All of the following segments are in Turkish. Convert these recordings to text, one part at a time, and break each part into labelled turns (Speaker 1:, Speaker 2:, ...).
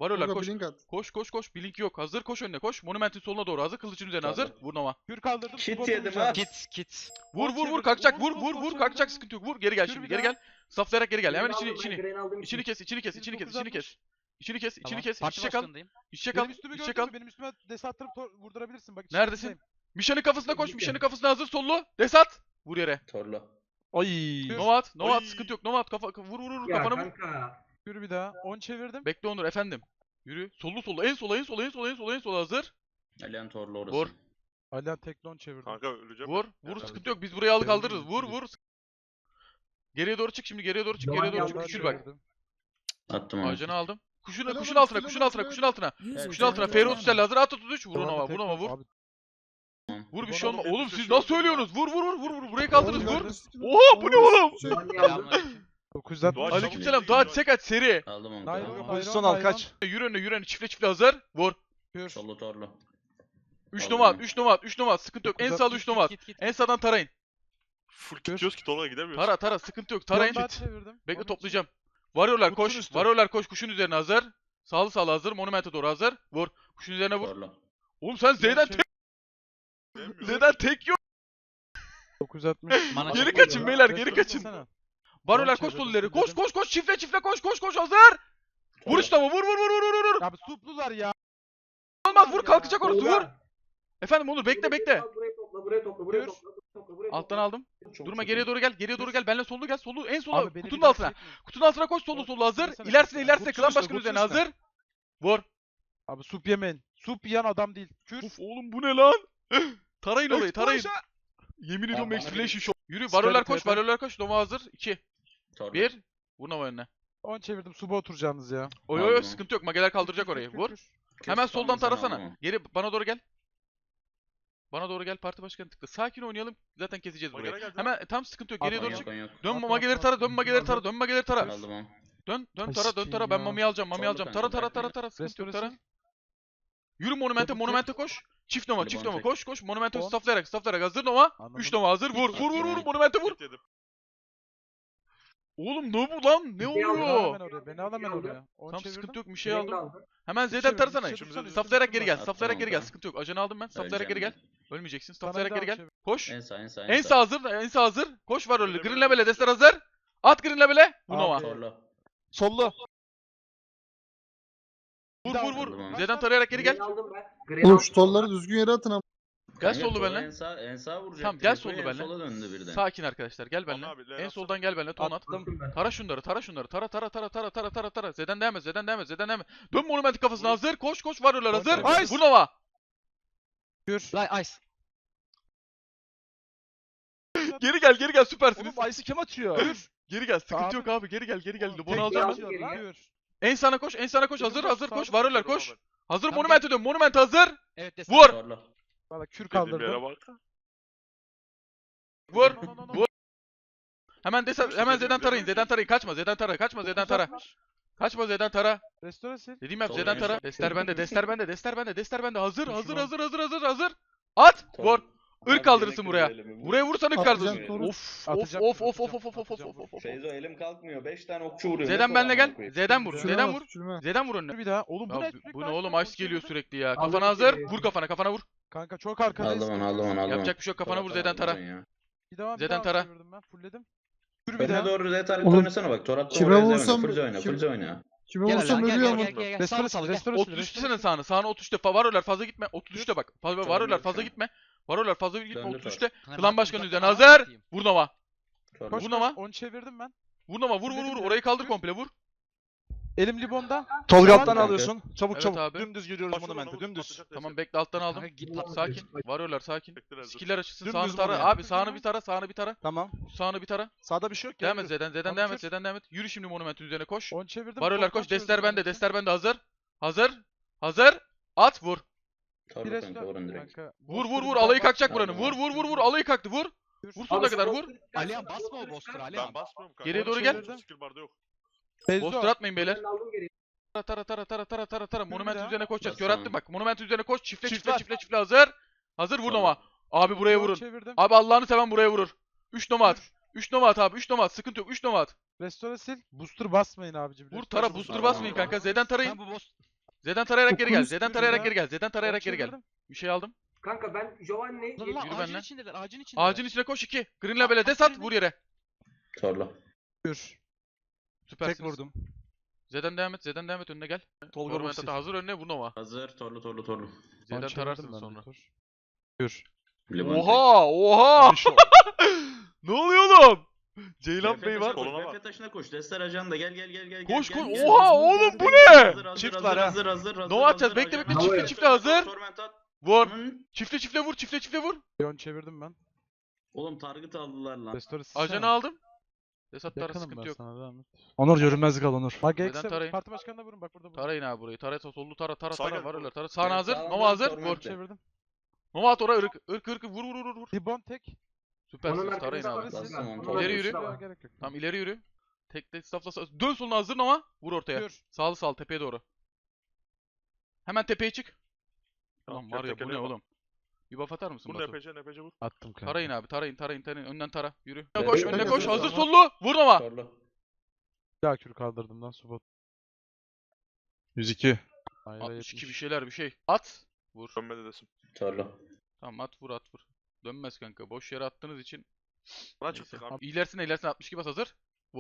Speaker 1: Varıyorlar
Speaker 2: Tolga
Speaker 1: koş.
Speaker 2: blink at.
Speaker 1: Koş koş koş. Blink yok. Hazır koş önüne koş. Monumentin soluna doğru hazır. Kılıcın üzerine hazır.
Speaker 3: Tamam.
Speaker 1: Vur Nova.
Speaker 4: Kür kaldırdım.
Speaker 3: Kit
Speaker 4: spot
Speaker 3: yedim
Speaker 4: vuracağım.
Speaker 3: ha.
Speaker 5: Kit.
Speaker 1: Vur
Speaker 4: Sol
Speaker 1: vur vur
Speaker 4: çevirdim.
Speaker 1: kalkacak.
Speaker 4: Vur,
Speaker 1: Vur
Speaker 4: sol
Speaker 1: vur vur
Speaker 4: çevirdim.
Speaker 1: kalkacak. Sıkıntı yok. Vur geri gel
Speaker 4: Kür
Speaker 1: şimdi.
Speaker 4: bir
Speaker 1: Geri
Speaker 4: daha.
Speaker 1: gel. Saflayarak geri gel. Hemen
Speaker 6: Green
Speaker 1: içini
Speaker 6: aldım ben,
Speaker 1: içini.
Speaker 6: green aldım
Speaker 1: İçini kes, içini kes,
Speaker 4: Kür
Speaker 1: içini kes, içini
Speaker 4: 960.
Speaker 1: kes. İçini kes, içini
Speaker 5: Tamam.
Speaker 1: kes.
Speaker 5: Parti
Speaker 1: İç çakal.
Speaker 5: başkanındayım.
Speaker 1: İç çakal.
Speaker 4: Benim üstümü
Speaker 1: İç
Speaker 4: gördün
Speaker 1: çakal.
Speaker 4: mü? Benim üstüme dese attırıp vurdurabilirsin. Bak
Speaker 1: Neredesin?
Speaker 4: içindeyim.
Speaker 1: Mişan'ın kafasına koş.
Speaker 6: Birlikte.
Speaker 1: Mişan'ın kafasına hazır. Sollu. Desat. Vur yere.
Speaker 3: Torla.
Speaker 5: Ay.
Speaker 1: Nova at. Nova at.
Speaker 5: Oy.
Speaker 1: Sıkıntı yok. Nova at. Kafa vur vur vur
Speaker 6: Ya
Speaker 1: kafana vur.
Speaker 6: kanka.
Speaker 4: Kür bir daha. 10 çevirdim.
Speaker 1: Bekle Onur efendim. Yürü. Sollu sollu. En sola en sola en sola en sola en sola hazır.
Speaker 3: Alihan Torla orası.
Speaker 1: Vur.
Speaker 4: Alihan teklon çevirdim.
Speaker 7: Kanka öleceğim.
Speaker 1: Vur. Vur sıkıntı yok. Biz burayı alıp kaldırırız. Vur vur. Geriye doğru çık şimdi. Geriye doğru çık. Geriye doğru çık.
Speaker 6: Yalan
Speaker 1: Küçül bak.
Speaker 4: Çevirdim.
Speaker 3: Attım onu.
Speaker 1: Ajanı aldım. Kuşun
Speaker 2: Helal
Speaker 1: kuşun
Speaker 2: olsun,
Speaker 1: altına,
Speaker 2: helal
Speaker 1: kuşun
Speaker 2: olsun,
Speaker 1: altına,
Speaker 2: helal
Speaker 1: kuşun altına.
Speaker 3: Evet,
Speaker 1: Kuşun altına.
Speaker 3: evet,
Speaker 1: Ferro
Speaker 3: evet.
Speaker 1: Tutel hazır. At 33. Vur
Speaker 4: Tamam,
Speaker 1: Nova. Vur
Speaker 4: teklon.
Speaker 1: Nova vur.
Speaker 4: Abi,
Speaker 1: Vur bir
Speaker 4: Bana
Speaker 1: şey olma.
Speaker 7: bak,
Speaker 1: Oğlum
Speaker 7: hepsi
Speaker 1: siz
Speaker 7: çok
Speaker 1: nasıl
Speaker 7: iyi.
Speaker 1: ölüyorsunuz? Vur vur vur vur vur. Buraya kaldırırız
Speaker 2: Oğlum,
Speaker 1: vur.
Speaker 2: neredesin?
Speaker 1: Oha bu ne oğlum?
Speaker 2: Şey,
Speaker 6: Lan ya.
Speaker 5: Selamünaleyküm.
Speaker 4: 960.
Speaker 7: Doğaç,
Speaker 1: Aleykümselam. Daha sek aç seri.
Speaker 3: Aldım onu.
Speaker 4: Naylon,
Speaker 3: Tamam.
Speaker 4: naylon,
Speaker 5: Pozisyon al
Speaker 4: naylon.
Speaker 5: kaç.
Speaker 1: Yürü önüne yürü önüne. Çifle çifle hazır. Vur.
Speaker 4: Kür.
Speaker 3: Solu Torla.
Speaker 1: 3
Speaker 3: Aldım
Speaker 1: numara at.
Speaker 3: onu.
Speaker 1: 3 numara at. 3 numara at. Sıkıntı yok. En sağda 3 numara at.
Speaker 5: Git.
Speaker 1: En sağdan tarayın.
Speaker 7: Full gidiyoruz ki Tolga gidemiyoruz.
Speaker 1: Tara tara. Sıkıntı yok.
Speaker 4: Bir tane
Speaker 1: Tarayın.
Speaker 4: daha çevirdim.
Speaker 1: Bekle
Speaker 4: 13.
Speaker 1: toplayacağım. Varıyorlar
Speaker 5: Kutsun
Speaker 1: koş.
Speaker 5: üstü.
Speaker 1: Varıyorlar koş. Kuşun üzerine hazır. Sağlı sağlı hazır. Monumente doğru hazır. Vur. Kuşun üzerine vur.
Speaker 3: Torla.
Speaker 1: Oğlum sen Z'den tek.
Speaker 7: Gidemiyoruz.
Speaker 1: Z'den tek yok.
Speaker 4: 960.
Speaker 5: Mana
Speaker 1: Geri
Speaker 5: çek.
Speaker 1: kaçın beyler. Geri
Speaker 4: Restore
Speaker 1: kaçın.
Speaker 4: etsene.
Speaker 1: Varıyorlar
Speaker 4: Ben
Speaker 1: koş
Speaker 4: çevirdim,
Speaker 1: solları. Koş
Speaker 4: dedim.
Speaker 1: koş koş. Çifle çifle koş koş koş hazır. Vur
Speaker 3: Torla.
Speaker 1: işte ama vur vur vur vur vur vur.
Speaker 4: Abi suplular ya.
Speaker 1: Olmaz vur
Speaker 4: ya.
Speaker 1: kalkacak orası vur.
Speaker 6: Tolga.
Speaker 1: Efendim Onur bekle bekle.
Speaker 6: Burayı topla, burayı topla, burayı
Speaker 4: Kür.
Speaker 6: topla, burayı topla, burayı
Speaker 1: Alttan
Speaker 6: topla.
Speaker 1: aldım.
Speaker 3: Çok
Speaker 1: Durma
Speaker 3: çok
Speaker 1: geriye
Speaker 3: iyi.
Speaker 1: doğru gel. Geriye doğru gel. Benle sollu gel. Sollu en sola.
Speaker 4: Abi beni
Speaker 1: Kutunun
Speaker 4: bir daha
Speaker 1: altına.
Speaker 4: çekmeyin.
Speaker 1: Kutunun altına koş sollu sollu hazır.
Speaker 4: Yesene
Speaker 1: İlerisine
Speaker 4: kanka.
Speaker 1: ilerisine
Speaker 4: Kutu
Speaker 1: klan
Speaker 4: üstüne,
Speaker 1: başkanı
Speaker 4: kutu
Speaker 1: üzerine
Speaker 4: üstüne.
Speaker 1: hazır. Vur.
Speaker 4: Abi sup yemeyin. Sup yiyen adam değil. Kür.
Speaker 1: Uf oğlum bu ne lan? Tarayın orayı tarayın.
Speaker 4: Explosion.
Speaker 1: Yemin ediyorum
Speaker 3: bana
Speaker 1: Explanation
Speaker 3: bir-
Speaker 1: Show. Yürü
Speaker 4: Scarlet
Speaker 1: varyolar koş
Speaker 4: TP.
Speaker 1: varyolar koş. Nova hazır. 2.
Speaker 3: Torla.
Speaker 1: 1. Vur Nova önüne.
Speaker 4: 10 çevirdim. Suba oturacaksınız ya.
Speaker 1: Oy oy oy
Speaker 3: Aldım.
Speaker 1: sıkıntı yok. Mageler kaldıracak
Speaker 4: Kür,
Speaker 1: orayı.
Speaker 4: kür,
Speaker 1: Vur.
Speaker 4: kür.
Speaker 1: Hemen
Speaker 3: Kes,
Speaker 1: soldan
Speaker 3: sen aldın
Speaker 1: tarasana.
Speaker 3: onu.
Speaker 1: Geri bana doğru gel. Bana doğru gel parti başkanı tıkla. Sakin oynayalım. Zaten keseceğiz
Speaker 7: Magara
Speaker 1: burayı.
Speaker 7: geldi.
Speaker 1: Hemen tam sıkıntı yok. Geriye
Speaker 4: Atma
Speaker 1: doğru
Speaker 4: ya.
Speaker 1: çık.
Speaker 3: Yok.
Speaker 1: Dön
Speaker 4: Atma,
Speaker 1: mageleri
Speaker 4: atma,
Speaker 1: tara,
Speaker 4: atma.
Speaker 1: dön mageleri tara, dön mageleri tara.
Speaker 3: Aldım onu.
Speaker 1: Dön
Speaker 4: Ay
Speaker 1: tara, dön
Speaker 4: sikeyim
Speaker 1: tara. Ben
Speaker 4: ya.
Speaker 1: mami alacağım, mami
Speaker 3: Solda
Speaker 1: alacağım.
Speaker 3: kanka,
Speaker 1: Tara
Speaker 3: bekle.
Speaker 1: tara. Sıkıntı yok
Speaker 4: Restoresi.
Speaker 1: tara. Yürü monumente,
Speaker 4: Double
Speaker 1: monumente koş. Çift nova,
Speaker 3: Hadi
Speaker 1: çift
Speaker 3: bana
Speaker 1: nova.
Speaker 3: tek.
Speaker 1: Koş. Monumente
Speaker 4: 10.
Speaker 1: stafflayarak hazır nova.
Speaker 4: Anladım.
Speaker 1: 3 nova hazır. Vur,
Speaker 3: Atıyor.
Speaker 1: monumente vur.
Speaker 7: Kit yedim.
Speaker 1: Oğlum ne bu lan? Ne
Speaker 6: Bir
Speaker 4: Beni al
Speaker 1: oluyor?
Speaker 4: hemen oraya. Beni al hemen oraya. 10
Speaker 1: Tam
Speaker 4: çevirdim.
Speaker 1: sıkıntı yok bir şey
Speaker 6: Green
Speaker 1: aldım.
Speaker 6: aldım.
Speaker 1: Hemen
Speaker 4: Bir
Speaker 1: Z'den
Speaker 4: şey
Speaker 1: tarasana.
Speaker 4: bir şey tutsana,
Speaker 1: Stafflayarak
Speaker 4: üstüne
Speaker 1: geri gel.
Speaker 3: Attım
Speaker 1: Stafflayarak geri gel.
Speaker 3: onu.
Speaker 1: Sıkıntı yok. Ajanı aldım ben. Stafflayarak geri
Speaker 3: Öleceğim
Speaker 1: gel. Ölmeyeceksin.
Speaker 4: Sana
Speaker 1: Stafflayarak
Speaker 4: bir
Speaker 1: geri
Speaker 4: daha
Speaker 1: gel.
Speaker 4: çevir.
Speaker 1: Koş.
Speaker 3: En sağ en sağ
Speaker 1: En sağ hazır. En sağ hazır. Koş var öyle. Green Label'e destek hazır. At Green Label'e. Bu
Speaker 4: Abi.
Speaker 1: nova.
Speaker 3: Torla.
Speaker 5: Sollu.
Speaker 1: Vur
Speaker 4: daha
Speaker 1: vur vur.
Speaker 3: aldım.
Speaker 1: Z'den tarayarak geri
Speaker 6: Green
Speaker 1: gel.
Speaker 6: aldım ben. Green
Speaker 2: Oğlum
Speaker 6: aldım.
Speaker 2: şu tolları düzgün yere atın ama.
Speaker 1: Gel
Speaker 3: Kanka,
Speaker 1: sollu
Speaker 3: Torla
Speaker 1: benimle.
Speaker 3: En sağ vuracak.
Speaker 1: Tamam gel
Speaker 3: direkt.
Speaker 1: sollu
Speaker 3: En
Speaker 1: benimle.
Speaker 3: sola döndü birden.
Speaker 1: Sakin arkadaşlar gel benimle.
Speaker 7: Abi, Leyla
Speaker 1: En
Speaker 7: atsana.
Speaker 1: soldan gel benimle. Ton at.
Speaker 6: Attım ben.
Speaker 1: Tara şunları. Tara. Z'den devam et. Dön monumentin kafasına hazır. Koş varıyorlar hazır.
Speaker 4: Nice.
Speaker 1: Vur nova.
Speaker 4: Kür.
Speaker 5: Ice.
Speaker 1: Geri gel süpersiniz.
Speaker 5: Oğlum Ice'ı kim atıyor?
Speaker 1: Geri gel. Sıkıntı
Speaker 4: Abi.
Speaker 1: yok abi. Geri gel. Bunu
Speaker 4: Tek
Speaker 1: alacağım ben.
Speaker 6: aldım.
Speaker 4: atıyor lan.
Speaker 6: Geri
Speaker 4: Kür.
Speaker 1: En sana koş. Hazır koş. Varıyorlar
Speaker 7: Torla
Speaker 1: koş.
Speaker 7: var.
Speaker 1: Hazır
Speaker 5: Tamam,
Speaker 1: monumente dön. Monumente hazır.
Speaker 5: Evet destek.
Speaker 1: Vur.
Speaker 3: Torla.
Speaker 4: Valla kür
Speaker 7: Dediğim yere
Speaker 4: kaldırdım.
Speaker 7: bak.
Speaker 1: Vur.
Speaker 4: No, no, no, no.
Speaker 1: Vur. Hemen hemen Z'den tarayın. Kaçma Z'den tara. Kaçma Z'den tara.
Speaker 4: 960.
Speaker 1: Kaçma Z'den tara.
Speaker 4: Restore sil.
Speaker 1: Dediğim yap
Speaker 3: Solda
Speaker 1: Z'den
Speaker 3: en
Speaker 1: tara.
Speaker 3: son.
Speaker 1: Dester bende. Hazır.
Speaker 4: Şunu.
Speaker 1: Hazır. At.
Speaker 3: Torla.
Speaker 1: Vur.
Speaker 3: Abi,
Speaker 1: Irk kaldırırsın
Speaker 3: yine
Speaker 1: buraya.
Speaker 3: kırdı elimi.
Speaker 1: Buraya vursan ırk
Speaker 2: Atacağım,
Speaker 1: kaldırırsın.
Speaker 2: Torun.
Speaker 1: Of.
Speaker 4: Atacağım, atacağım.
Speaker 3: Feyzo elim kalkmıyor. 5 tane okçu vuruyor. Ne
Speaker 1: Z'den
Speaker 3: kolay
Speaker 1: benle
Speaker 3: amına
Speaker 1: gel.
Speaker 3: koyayım.
Speaker 1: Z'den vur.
Speaker 4: Küçülme
Speaker 1: Z'den vur.
Speaker 2: Küçülme.
Speaker 1: Z'den vur önüne.
Speaker 4: Bir daha. Oğlum bu
Speaker 1: Ya
Speaker 4: ne?
Speaker 1: bu ne oğlum ice geliyor sürekli ya.
Speaker 6: Aldım
Speaker 1: Kafana hazır.
Speaker 6: geliyor.
Speaker 1: Vur kafana vur.
Speaker 4: Kanka çok arkadayız.
Speaker 3: Aldım onu.
Speaker 1: Yapacak bir şey yok kafana vur Z'den tara.
Speaker 4: Bir daha
Speaker 1: Z'den tara.
Speaker 4: çevirdim ben. Fullledim. Kür bir
Speaker 3: Önüne
Speaker 4: daha.
Speaker 3: doğru Z tarihte
Speaker 2: Oğlum,
Speaker 3: oynasana bak. Torat'ta
Speaker 2: kime
Speaker 3: oraya
Speaker 2: vursam-
Speaker 3: Fulca oyna.
Speaker 2: kim-
Speaker 3: Fulca oyna.
Speaker 2: Kime
Speaker 5: Gel
Speaker 2: vursam
Speaker 5: lan gel
Speaker 2: ölüyor
Speaker 5: gel
Speaker 2: ama.
Speaker 5: gel gel.
Speaker 4: Restore
Speaker 5: Sağlı
Speaker 4: sil.
Speaker 5: sağlı gel.
Speaker 4: Restore sil.
Speaker 1: 33 sene sağına 33'te. Varıyorlar fazla gitme. 33'te bak. Varıyorlar fazla
Speaker 3: şu an.
Speaker 1: gitme. Varıyorlar fazla gitme.
Speaker 3: Döndür
Speaker 1: 33'te.
Speaker 5: Kanka,
Speaker 1: Klan
Speaker 5: ben
Speaker 1: başkanı
Speaker 5: uzaktan
Speaker 1: üzerine
Speaker 5: anlatayım.
Speaker 1: hazır. Vur Nova.
Speaker 3: Torla.
Speaker 4: Koş
Speaker 1: Vur
Speaker 4: koş.
Speaker 1: Nova.
Speaker 4: 10 çevirdim ben.
Speaker 1: Vur Nova. Orayı kaldır komple vur.
Speaker 4: Elim libonda.
Speaker 5: Tolga
Speaker 4: Tamam
Speaker 5: alttan
Speaker 3: kanka.
Speaker 5: alıyorsun. Çabuk
Speaker 1: Evet
Speaker 5: çabuk.
Speaker 1: abi.
Speaker 5: Dümdüz yürüyoruz
Speaker 7: Başla
Speaker 5: monumente.
Speaker 7: onu,
Speaker 5: Dümdüz.
Speaker 7: atacak
Speaker 1: Tamam
Speaker 7: destek.
Speaker 1: bekle alttan
Speaker 5: Kanka
Speaker 1: aldım.
Speaker 5: git pat.
Speaker 1: Sakin. Varıyorlar sakin.
Speaker 7: Bekler hazır.
Speaker 1: Skiller açılsın.
Speaker 5: Dümdüz
Speaker 1: Sağını tara.
Speaker 5: vurmaya.
Speaker 1: Abi sağını bir tara.
Speaker 5: Tamam.
Speaker 1: Sağını bir tara.
Speaker 5: Sağda bir şey yok.
Speaker 1: Devam
Speaker 5: gel
Speaker 1: et
Speaker 5: yürü.
Speaker 1: Z'den
Speaker 4: Tamam,
Speaker 1: devam et. Yürü şimdi monumentin üzerine koş.
Speaker 4: 10 çevirdim.
Speaker 1: Varıyorlar
Speaker 4: toplam
Speaker 1: koş. Dester
Speaker 4: çözdüm
Speaker 1: bende hazır. Hazır. At vur.
Speaker 4: Bir
Speaker 3: Torla kanka
Speaker 4: restore.
Speaker 3: vurun direkt.
Speaker 4: Kanka,
Speaker 1: Vur
Speaker 4: Boster'ı bir
Speaker 1: alayı
Speaker 4: daha
Speaker 1: kalkacak
Speaker 3: bak.
Speaker 1: buranın. Vur alayı kalktı vur. Vur sonuna kadar vur.
Speaker 5: Alihan basma o Boster'ı Alihan.
Speaker 7: Ben basmıyorum kanka.
Speaker 1: Geriye doğru
Speaker 4: gel.
Speaker 7: Skill barda yok.
Speaker 4: Feyzo.
Speaker 1: Boster atmayın beyler.
Speaker 6: Ben aldım geri.
Speaker 1: Tara. Monument
Speaker 4: daha.
Speaker 1: üzerine koşacağız.
Speaker 3: Basın.
Speaker 1: Kör attım bak. Monument üzerine koş. Çifle
Speaker 5: Çift var.
Speaker 1: hazır. Hazır vur
Speaker 3: Tamam.
Speaker 1: Nova. Abi buraya
Speaker 4: 10
Speaker 1: vurun.
Speaker 4: çevirdim.
Speaker 1: Abi Allah'ını seven buraya vurur. 3 Nova at. 3 Nova at abi. 3 Nova at. Sıkıntı yok. 3 Nova at.
Speaker 4: Restore sil. Booster basmayın abicim.
Speaker 1: Vur
Speaker 4: Restore
Speaker 1: tara
Speaker 4: sil.
Speaker 1: booster
Speaker 3: Tamam,
Speaker 1: basmayın
Speaker 3: tamam.
Speaker 1: kanka. Z'den tarayın.
Speaker 5: Sen bu boss
Speaker 1: Z'den tarayarak geri gel.
Speaker 4: Dokuz,
Speaker 1: Z'den
Speaker 4: yürü
Speaker 1: tarayarak
Speaker 4: ya.
Speaker 1: geri gel. Z'den tarayarak
Speaker 4: On
Speaker 1: geri gel.
Speaker 4: çevirdim.
Speaker 1: Bir şey aldım.
Speaker 6: Kanka ben Giovanni
Speaker 5: Lan lan
Speaker 1: Yürü
Speaker 5: ağacın
Speaker 1: benimle.
Speaker 5: içindeler. Ağacın içindeler.
Speaker 1: Ağacın içine koş 2. Green'le böyle des at vur yere.
Speaker 3: Torlu.
Speaker 4: Kür.
Speaker 1: Süpersiniz.
Speaker 4: Tek vurdum.
Speaker 1: Z'den devam et. Z'den devam et önüne gel.
Speaker 4: Tolga
Speaker 1: Orman
Speaker 4: Rossi.
Speaker 1: Tata hazır önüne vur Nova.
Speaker 3: Hazır. Torlu.
Speaker 1: Z'den tararsın sonra.
Speaker 4: Kür.
Speaker 3: Limon
Speaker 1: Oha! Oha! Ne oluyor oğlum? Ceylan Bey var.
Speaker 7: Koluna bak.
Speaker 3: Refle taşına koş. Destar ajan da gel.
Speaker 1: Koş
Speaker 3: gel,
Speaker 1: koş.
Speaker 3: gel.
Speaker 1: Oha oğlum bu ne?
Speaker 5: Çift var ha.
Speaker 3: Hazır.
Speaker 1: Nova atacağız. Bekle bekle.
Speaker 3: ajan.
Speaker 1: Çiftle çiftle hazır.
Speaker 3: Torment at.
Speaker 1: Vur.
Speaker 3: Hı.
Speaker 1: Çiftle vur. Çiftle vur.
Speaker 4: Leon çevirdim ben.
Speaker 3: Oğlum target aldılar lan.
Speaker 4: Restore
Speaker 1: Ajanı aldım. Desat tara
Speaker 4: Yakınım
Speaker 1: sıkıntı
Speaker 4: ben
Speaker 1: yok.
Speaker 4: sana devam et. Onur görünmezlik al Onur. Bak
Speaker 1: Neden
Speaker 4: X'e
Speaker 1: tarayın?
Speaker 4: parti başkanına vurun bak burada.
Speaker 1: Tarayın abi burayı. Tara sollu tara
Speaker 7: Sağa gel,
Speaker 1: var
Speaker 7: Nova.
Speaker 1: öyle tara. Sağına
Speaker 3: Evet,
Speaker 1: hazır.
Speaker 3: sağdan
Speaker 1: Nova hazır.
Speaker 3: Torment
Speaker 1: Vur.
Speaker 3: de.
Speaker 4: Çevirdim.
Speaker 1: Nova at oraya ırk vur.
Speaker 4: Libon tek.
Speaker 1: Süpersiniz.
Speaker 6: Onun
Speaker 1: Tarayın
Speaker 6: arkasında
Speaker 1: abi.
Speaker 6: var.
Speaker 3: Bastım onu.
Speaker 6: Onun
Speaker 1: İleri yürü.
Speaker 6: arkasında var.
Speaker 4: Gerek yok.
Speaker 1: Tamam ileri yürü. Tekle staffla dön soluna hazır Nova. Vur ortaya.
Speaker 4: Kür.
Speaker 1: Sağlı tepeye doğru. Hemen tepeye çık.
Speaker 7: Tamam,
Speaker 1: Ulan var ya bu ne
Speaker 7: tekele bak.
Speaker 1: oğlum? Bir buff atar mısın
Speaker 7: Bu
Speaker 1: Batu?
Speaker 7: NPC vur.
Speaker 4: Attım kanka.
Speaker 1: Tarayın abi tarayın. Önden tara. Yürü.
Speaker 3: Evet,
Speaker 1: Koş
Speaker 3: evet,
Speaker 1: önüne
Speaker 3: evet,
Speaker 1: koş.
Speaker 3: evet,
Speaker 1: Hazır
Speaker 4: tamam.
Speaker 1: sollu. Vur Nova.
Speaker 3: Torlu.
Speaker 4: Bir daha kür kaldırdım lan Subot. 102.
Speaker 1: 62 bir şey. At. Vur.
Speaker 7: Dönmedi desin.
Speaker 3: Torlu.
Speaker 1: Tamam at vur. Dönmez kanka. Boş yere attığınız için.
Speaker 7: Bana
Speaker 1: Neyse.
Speaker 7: çıktık abi.
Speaker 1: İlerisine 62 bas hazır.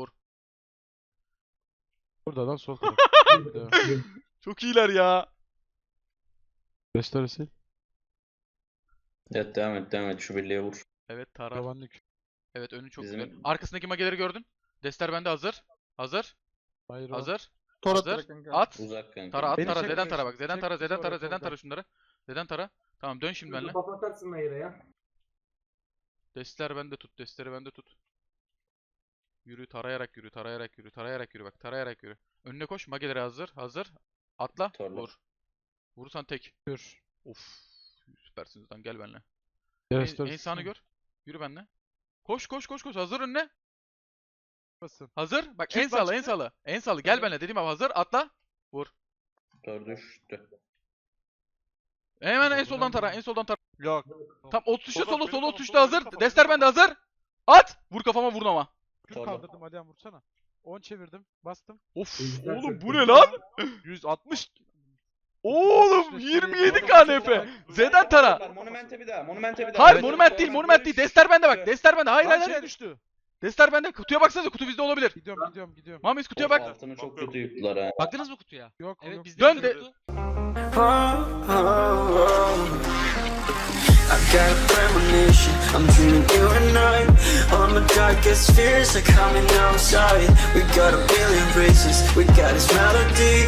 Speaker 4: Burada lan sol taraf.
Speaker 1: Çok iyiler ya.
Speaker 4: Restore sil.
Speaker 3: Evet devam et. Şu birliğe vur.
Speaker 1: Evet Tara.
Speaker 4: Yavanlık.
Speaker 1: Evet önü çok
Speaker 3: Bizim-
Speaker 1: güzel. Arkasındaki mageleri gördün. Dester bende hazır.
Speaker 4: Hayır o.
Speaker 1: Hazır.
Speaker 5: Tor
Speaker 1: Hazır.
Speaker 5: at kanka.
Speaker 1: At.
Speaker 3: Uzak kanka.
Speaker 1: Tara at
Speaker 4: Beni
Speaker 1: tara.
Speaker 4: çek,
Speaker 1: Z'den
Speaker 4: çek,
Speaker 1: tara bak. Z'den
Speaker 4: çek,
Speaker 1: tara. Z'den
Speaker 4: sonra
Speaker 1: tara. Z'den
Speaker 4: soldan.
Speaker 1: tara şunları. Z'den tara. Tamam dön şimdi benimle.
Speaker 6: Buff atarsın Nayra ya.
Speaker 1: Destler bende tut. Destleri bende tut. Yürü tarayarak yürü bak. Tarayarak yürü. Önüne koş. Mageleri hazır. Atla.
Speaker 3: Torlu.
Speaker 1: Vur. Vurursan tek.
Speaker 4: Kür.
Speaker 1: Of. Süpersiniz lan gel benimle.
Speaker 4: Restore
Speaker 1: En sağını gör. Yürü benimle. Koş. Hazır önüne.
Speaker 4: Basın.
Speaker 1: Hazır. Bak
Speaker 4: Çık
Speaker 1: en sağlı
Speaker 4: bak,
Speaker 1: en
Speaker 4: çık.
Speaker 1: sağlı. En sağlı. Gel benimle dediğim abi hazır. Atla.
Speaker 3: Tor düştü.
Speaker 1: Hemen en
Speaker 4: Soldan
Speaker 1: soldan tara.
Speaker 4: mı?
Speaker 1: En soldan tara.
Speaker 5: Yok.
Speaker 1: Tam 30 tuşta
Speaker 7: Soldan,
Speaker 1: solu
Speaker 7: benim
Speaker 1: solu
Speaker 7: kafam,
Speaker 1: 30 tuşta
Speaker 7: soldan,
Speaker 1: hazır.
Speaker 7: benim kafam,
Speaker 1: Dester
Speaker 7: benim
Speaker 1: bende hazır. At. Vur kafama vur Nova.
Speaker 4: Kür
Speaker 3: Torlu.
Speaker 4: kaldırdım Alihan vursana. 10 çevirdim. Bastım.
Speaker 1: Of.
Speaker 6: Güzel
Speaker 1: Oğlum
Speaker 6: çok
Speaker 1: bu
Speaker 6: iyi.
Speaker 1: ne lan?
Speaker 5: 160.
Speaker 1: Oğlum 27 KNP. Z'den tara.
Speaker 3: Monumente bir daha.
Speaker 1: Hayır
Speaker 3: Evet,
Speaker 1: monument değil monument değil. Dester bende bak. Dester bende. Hayır
Speaker 4: Lan
Speaker 1: hayır
Speaker 4: şey
Speaker 1: hayır.
Speaker 4: düştü.
Speaker 1: Dester bende. Kutuya baksanıza. Kutu bizde olabilir.
Speaker 4: Gidiyorum.
Speaker 1: Mamis kutuya bak.
Speaker 3: Altını çok kötü yıktılar ha.
Speaker 5: Baktınız mı kutuya?
Speaker 4: Yok
Speaker 5: Evet
Speaker 4: yok.
Speaker 5: bizde
Speaker 1: Dön
Speaker 5: de
Speaker 1: de-
Speaker 5: kutu.
Speaker 2: I got a premonition, I'm dreaming you and I. All my darkest fears are coming outside. We got a billion races, we got this melody.